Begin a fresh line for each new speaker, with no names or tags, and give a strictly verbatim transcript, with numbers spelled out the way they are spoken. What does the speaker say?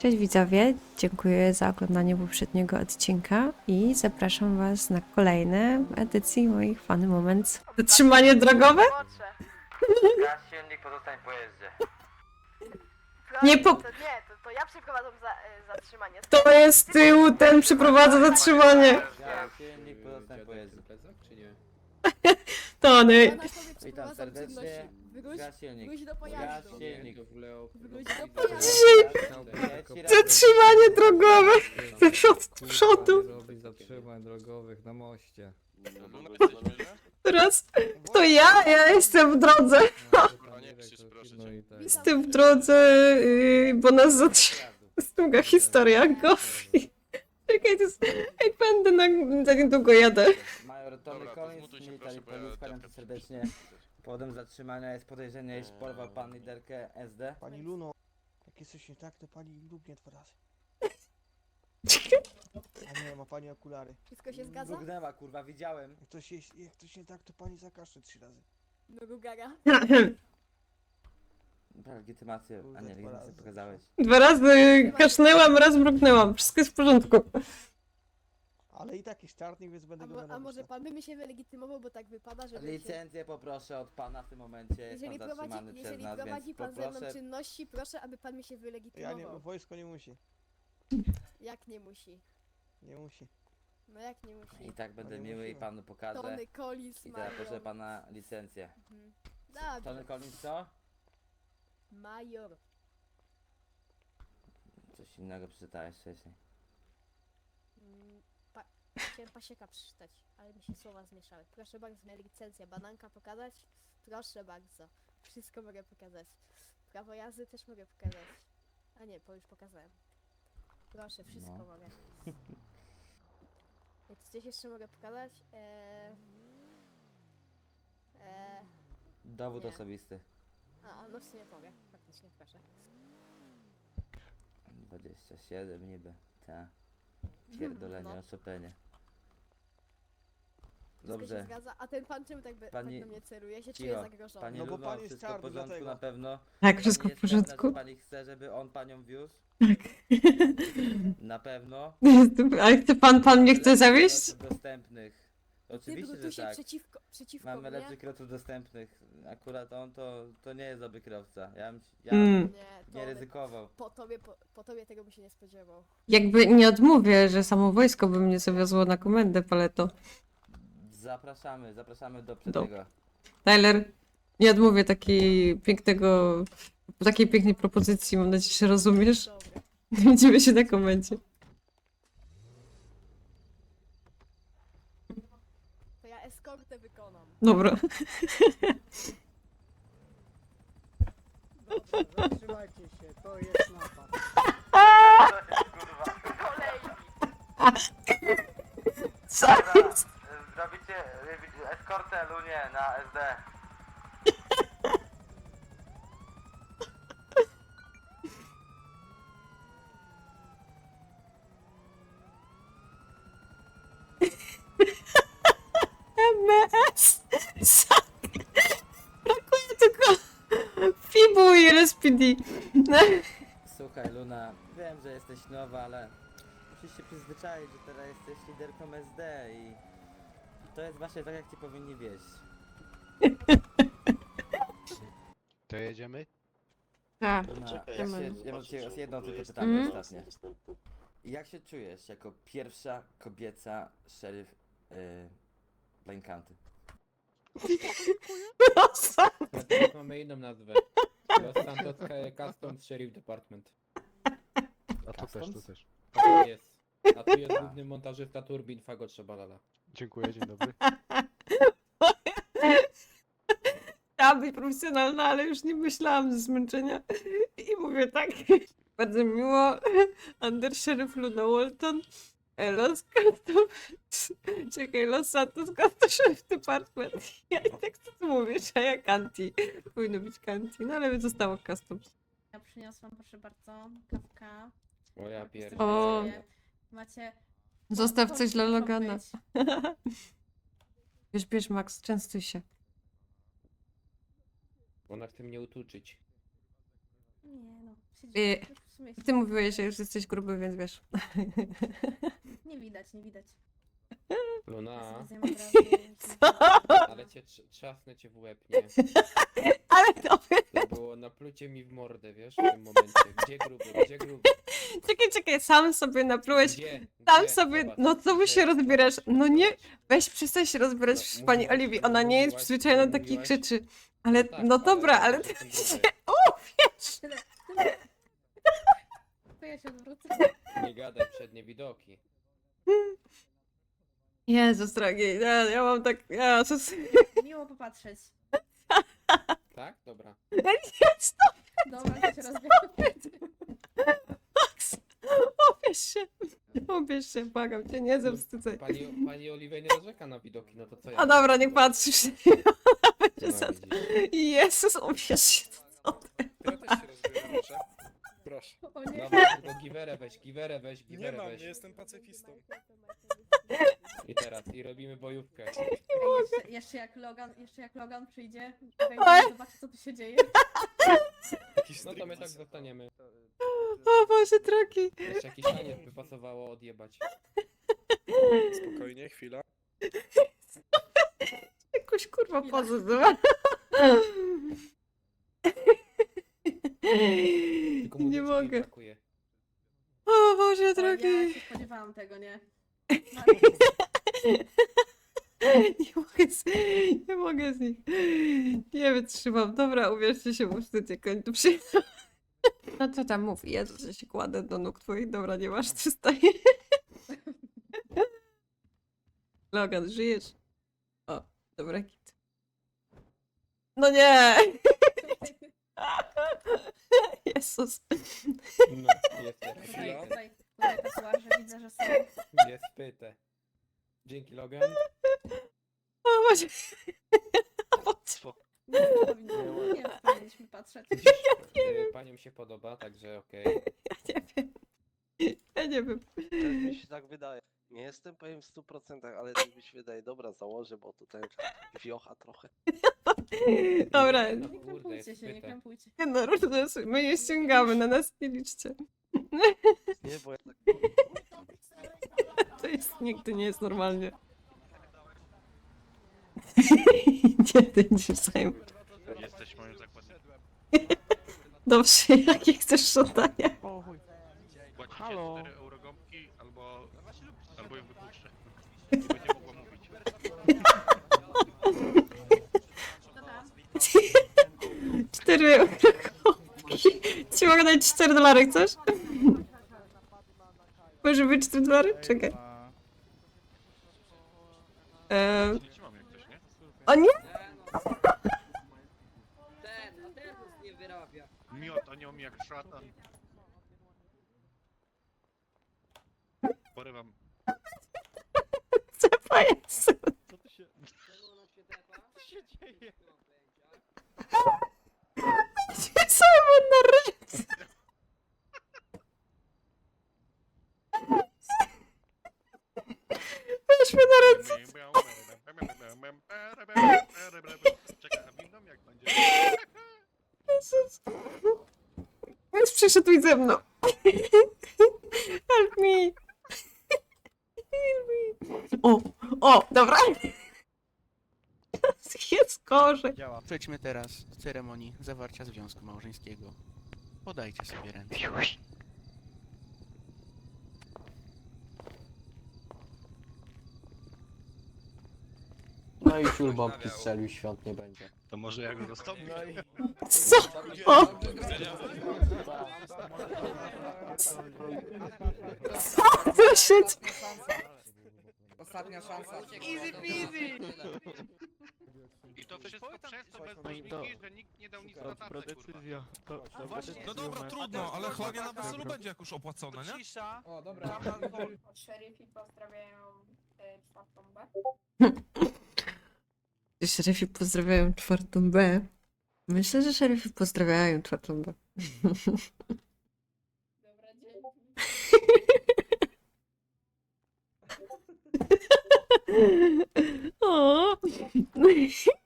Cześć widzowie, dziękuję za oglądanie poprzedniego odcinka i zapraszam was na kolejne edycje moich Funny Moments. Zatrzymanie drogowe?
Gaz silnik, pozostań w pojeździe.
Nie po-
To nie, to, to ja przeprowadzam za, y, zatrzymanie.
To jest z tyłu, ten przeprowadza zatrzymanie.
Gaz silnik, pozostań w pojeździe.
czy nie?
Tony.
Ja na sobie
Witam
przeprowadzam
serdecznie.
czynności. Wygódź,
Gaz silnik.
wygódź do
Gaz
pojazdu.
silnik.
Wygódź do
Gaz
pojazdu.
silnik.
Zatrzymanie drogowe. Ze przod- z przodu.
Robić zatrzymań drogowych na moście.
Teraz to ja, ja jestem w drodze.
Panie krzyż, proszę No i tak.
Jestem w drodze, yy, bo nas zatrzyma. Jest długa historia, Gofi. Czekaj, to jest... Jak będę na... za niedługo jadę.
Major Tony
Dobra, to
Collins,
zmutuj się,
military
proszę, bo ja
police, kłaniam
depkę
cię serdecznie. Powodem zatrzymania jest podejrzenie, iż porwał pan liderkę S D.
Pani Luno, jak jest coś nie tak, to pani lubnie dwa razy. A nie, ma pani okulary.
Wszystko się zgadza?
Mrugnęła, kurwa, widziałem.
Jak coś, jest, jak coś nie tak, to pani zakaszle trzy razy.
No Gugara.
Legitymację, a nie, legitymację pokazałeś.
Dwa razy kasznęłam, raz mruknęłam. Wszystko jest w porządku.
Ale i tak jest czarnik, więc będę
A,
go
mo, a
mianował.
może pan by mi się wylegitymował, bo tak wypada, żeby się...
Licencję poproszę od pana w tym momencie, jest
Jeżeli
pan
prowadzi,
zatrzymany przez
jeżeli
nas,
prowadzi
więc
pan ze mną
poproszę.
czynności, proszę, aby pan mi się
Ja nie,
wylegitymował.
wojsko nie musi.
Jak nie musi?
Nie musi.
No jak nie musi?
I tak będę
nie
miły i
musimy.
panu pokażę.
Tony Collins,
I teraz proszę
major.
pana licencję.
Mhm.
Tony
Dobrze.
Collins co?
Major.
Coś innego przeczytałeś wcześniej.
Mm, Pa... Chciałem pasieka przeczytać, ale mi się słowa zmieszały. Proszę bardzo, moja licencja. Bananka pokazać? Proszę bardzo. Wszystko mogę pokazać. Prawo jazdy też mogę pokazać. A nie, bo już pokazałem. Proszę, wszystko
No.
mogę. Jak coś jeszcze mogę pokazać? Eee... Eee...
Dowód
Nie.
osobisty.
A, no w sumie mogę. Faktycznie, proszę.
dwadzieścia siedem niby. Ta. Pierdolenie,
No.
oszczepenie.
Wszystko się
Dobrze.
zgadza. A ten pan czemu tak, be,
Pani-
tak do mnie celuje? Się czuję
Cicho.
zagrożony.
Pani
No bo
Luno,
pan jest
wszystko w
czarny,
porządku
dlatego.
na pewno?
Tak,
Pani
wszystko w
jest pewna,
porządku.
że pani chce, żeby on panią wiózł? Na pewno?
Ale chce pan, pan mnie chce zawieść?
Kierowców dostępnych.
Ty
Oczywiście,
tu
że
się
tak.
przeciwko, przeciwko
Mamy
mnie?
lepszych kierowców dostępnych. Akurat on to, to nie jest dobry kierowca. Ja, bym- ja
Mm.
Nie, to
nie ryzykował.
po tobie, po, po tobie tego by się nie spodziewał.
Jakby nie odmówię, że samo wojsko by mnie zawiozło na komendę, Paleto.
Zapraszamy, zapraszamy do
Do-
przedniego.
Tyler, nie odmówię takiej pięknego, takiej pięknej propozycji. Mam nadzieję, że rozumiesz.
Dobra.
Widzimy się na komendzie.
To ja eskortę wykonam.
Dobra.
Dobra.
Zatrzymajcie się, to jest napad.
Co jest?
Zrobicie eskortę Lunie na S D.
M S. Brakuje tylko Fibu i L S P D.
Słuchaj Luna, wiem, że jesteś nowa, ale musisz się przyzwyczaić, że teraz jesteś liderką S D i to jest właśnie tak, jak ci powinni wieść.
To jedziemy?
Tak.
Luna, jak
Czekaj.
się, ja mam cię jedno tylko pytanie
Mhm.
ostatnie. Jak się czujesz jako pierwsza kobieca szeryf yy, Plain County?
Na teraz mamy inną nazwę. Los Santos Customs Sheriff Department.
A tu też, tu
Customs?
też.
A tu jest. A tu jest główny montażysta turbin Fago Trzebalala.
Dziękuję, dzień dobry.
Chciałam być profesjonalna, ale już nie myślałam ze zmęczenia. I mówię tak. Bardzo miło. Undersheriff Luna Walton. e, Los Santos. Czekaj, Los Santos Sheriff Department. Ja i tak co ty mówisz, a ja Kanti. Powinno być Kanti, no ale zostało Customs.
Ja przyniosłam, proszę bardzo, kawka.
O ja
O.
pierdolę.
Macie...
Zostaw coś dla
muszą
Logana.
być.
Bierz, bierz, Max, częstuj się.
Ona chce mnie utuczyć.
Nie no, się dzieje?
Y,
W sumie się
Ty mówiłeś, że już jesteś gruby, więc wiesz.
nie widać, nie widać.
Luna,
Ja sobie zjemy wrażenie, że-
ale cię trz- trzasnę cię w łeb, nie?
Ale to
To było naplucie mi w mordę, wiesz, w tym momencie. Gdzie gruby, gdzie gruby?
Czekaj, czekaj, sam sobie naplułeś.
Gdzie?
Tam
Gdzie?
sobie,
Zobacz,
no co wy
gdzie?
się rozbierasz?
Zobacz,
No nie,
zobacz.
weź przestań się rozbierać
No,
w pani
mówiłaś-
Oliwii, ona nie jest
mówiłaś-
przyzwyczajona do takich
mówiłaś-
rzeczy. Ale,
tak,
no dobra, ale...
ja jestem gruby.
O, wiesz!
Tyle, tyle. To ja się odwrócę.
Nie gadaj, przednie widoki.
Jezus drogi, ja, ja mam tak... Ja, co...
Miło popatrzeć.
Tak? Dobra.
Jest
Dobra, to się rozbiorę.
Max! Obierz się! Obierz się, błagam cię, nie zawstydzaj.
Pani, pani Oliwia nie narzeka na widoki, no to co ja?
A dobra, niech patrzysz. Będzie
No,
za...
widzisz.
Jezus, obierz się, co ty?
Ja też się rozbieram, proszę. Proszę.
O nie.
Dobra, tylko giwerę weź, giwerę weź,
Nie
giwerę
mam,
weź.
nie jestem pacyfistą.
I teraz, i robimy bojówkę.
Ej, jeszcze, jeszcze jak Logan, jeszcze jak Logan przyjdzie,
Oj.
wejdzie, zobaczy co tu się dzieje.
Jakiś
No to my tak
striptease.
zostaniemy.
O Boże drogi.
Jeszcze jakiś taniec by pasowało odjebać.
Spokojnie, chwila.
Jakąś kurwa
Chwila.
pozę zobacz.
Tylko
Nie
muzyczki
mogę.
brakuje.
O Boże
O, ja
drogi.
się spodziewałam tego, nie?
Nie mogę z, nie mogę z nich. Nie wytrzymam. Dobra, uwierzcie się, muszę cię kończyć. Przy... No co tam mów? Jezu, że się kładę do nóg twoich. Dobra, nie masz, ty staje. Logan, żyjesz? O, dobra, kit. No nie! Jezus.
No, jest teraz.
Tutaj,
Chwila.
tutaj, tutaj tatuaże widzę, że są.
Jest pyte. Dzięki Logan.
O Boże.
Nie, to powinno, nie, to powinniśmy patrzeć.
Y, Paniom się podoba, także okej.
Ja nie wiem. Ja nie wiem.
Tak mi się tak wydaje. Nie jestem pewien w stu procentach, ale tak mi się wydaje. Dobra, założę, bo tutaj wiocha trochę.
Dobra,
No
Nie
kurde,
krępujcie
jest
się, nie
pyte.
krępujcie.
nie no, różne, my je ściągamy, na nas nie liczcie.
Nie, bo ja tak...
To jest, nigdy nie jest normalnie. Nie, ty nie zajmę.
Jesteś moim zakładnikiem.
Dobrze, jakie chcesz żądania?
Płacicie
Halo?
cztery eurogąbki albo... albo ją wypuszczę. Nie będzie mogła mówić.
Dobra.
Cztery euro. Ci mogę dać cztery dolary, chcesz? Może być cztery dolary? Czekaj. Eee,
Nie trzymam jak ktoś, nie?
o nie!
Ten, a ten nic nie wyrabia.
Miota nią jak szatan. Porywam.
Co jest?
Co tu się...
Czemu ona się tepa?
Co się dzieje?
Simon na ręce! Weź mnie na ręce!
Czekaj, a windą jak będzie?
Jezus. Więc przyszedł ze mną. Help me! Help me! O, o, dobra. Jest gorzej.
Działa. Przejdźmy teraz do ceremonii zawarcia związku małżeńskiego. Podajcie sobie ręce.
No i ciul bombki strzelił, świąt nie będzie.
To może ja go zastąpię?
Co? O! Co tu się
Ostatnia szansa.
Easy peasy!
I to wszystko przez to bez
No i to-
dłużniki, że nikt nie dał nic na tacę, kurwa.
No dobra, trudno, ale chlanie na weselu będzie jak już opłacone, nie?
O, dobra.
Szeryfi pozdrawiają czwartą B.
Szeryfi pozdrawiają czwartą B. Myślę, że szeryfi pozdrawiają czwartą B.
Dobra, dzięki.
O!